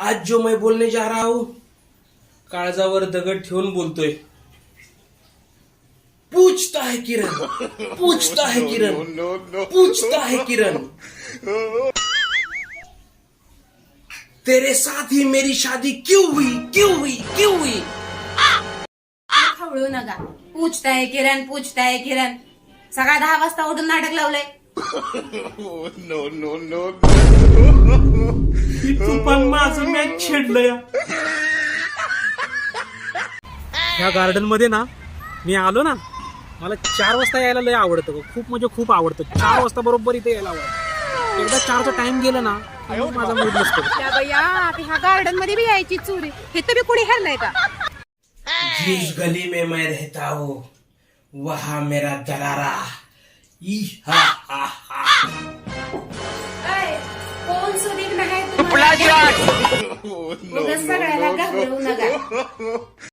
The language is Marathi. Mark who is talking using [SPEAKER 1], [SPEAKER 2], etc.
[SPEAKER 1] आज जो मैं बोलने जा रहा हूं काळजावर दगड ठेवून बोलतोय. पूछता है किरण, पूछता है किरण, पूछता है किरण, तेरे साथ ही मेरी शादी क्यों हुई, क्यों हुई, क्यों हुई.
[SPEAKER 2] खवळू नका. पूछताय किरण, पूछताय किरण. सकाळ 10 वाजता उठून नाटक लावलंय.
[SPEAKER 1] तू पण माझं मॅच छेडलंय. ह्या गार्डन मध्ये ना मी आलो ना, मला 4 वाजता यायला लय आवडतं. खूप म्हणजे खूप आवडतं. 4 वाजता बरोबर इथे यायला आवडतं. एकदा 4चा टाइम गेला ना मग माझा मूड नसतो.
[SPEAKER 2] ह्या गार्डन मध्ये बी यायची चोरी. हे तर बी कोणी हरलंय का?
[SPEAKER 1] जिस गली में मैं रहता हूँ वहाँ मेरा दलारा. हा हा हा.
[SPEAKER 2] कोण सुदीक नाही तुम्हाला? सगळ्याला घाबरवू नका.